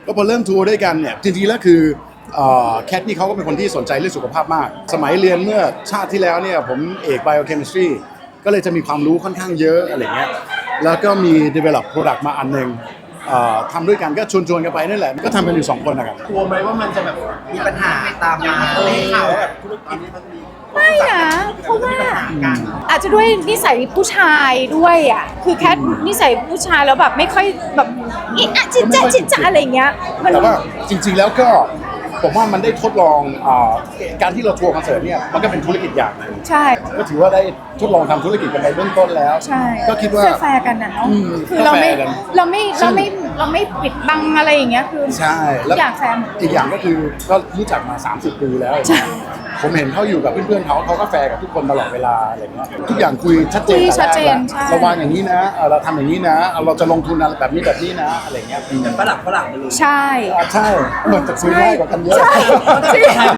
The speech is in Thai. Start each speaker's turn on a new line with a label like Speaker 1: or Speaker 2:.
Speaker 1: ก็พอเริ่มทัวร์ด้วยกันเนี่ยจริงๆแล้วคือแคทนี่เขาก็เป็นคนที่สนใจเรื่องสุขภาพมากสมัยเรียนเมื่อชาติที่แล้วเนี่ยผมเอก biochemistry ก็เลยจะมีความรู้ค่อนข้างเยอะอะไรเงี้ยแล้วก็มี develop product มาอันนึงทำด้วยกันก็ชวนกันไปนั่นแหละก็ทำกันอยู่2คนนะครับ
Speaker 2: กลัวไหมว่ามันจะแบบมีปัญหาตามมาข่าวว่าแบบธุรกิจนี้มันมี
Speaker 3: ไม่นะเพราะว่าอาจจะด้วยนิสัยผู้ชายด้วยอ่ะคือแค่นิสัยผู้ชายแล้วแบบไม่ค่อยแบบอิอะจิจ๊ะอะไรเงี้ยมัน
Speaker 1: แต่ว่าจริงๆแล้วก็ผมว่ามันได้ทดลองการที่เราทัวร์คอนเสิร์ตเนี่ยมันก็เป็นธุรกิจอย่างหนึ่ง
Speaker 3: ใช่
Speaker 1: ก็ถือว่าได้ทดลองทำธุรกิจกันไปเบื้องต้นแล้ว
Speaker 3: ใช่
Speaker 1: ก็คิดว่า
Speaker 3: แฟร์กันนะเนาะคือเราไม่ปิดบังอะไรอย่างเงี้ยคือ
Speaker 1: ใช่แล้ว
Speaker 3: อย่างแฟร์
Speaker 1: อีกอย่างก็คือก็รู้จักมา30 ปีแล้วผมเห็นเขาอยู่กับเพื่อนๆเขาก็แฟร์กับทุกคนตลอดเวลาอะไรเงี้ยทุกอย่างคุยชัดเจนเราวางอย่างนี้นะเราทำอย่างนี้นะเราจะลงทุนอะไรแบบนี้นะอะไรเงี้ย
Speaker 2: เป็นฝรั่งไปเลย
Speaker 3: ใช่
Speaker 1: ใช่เหมือนจะคุยง่ายกว่ากันเยอะ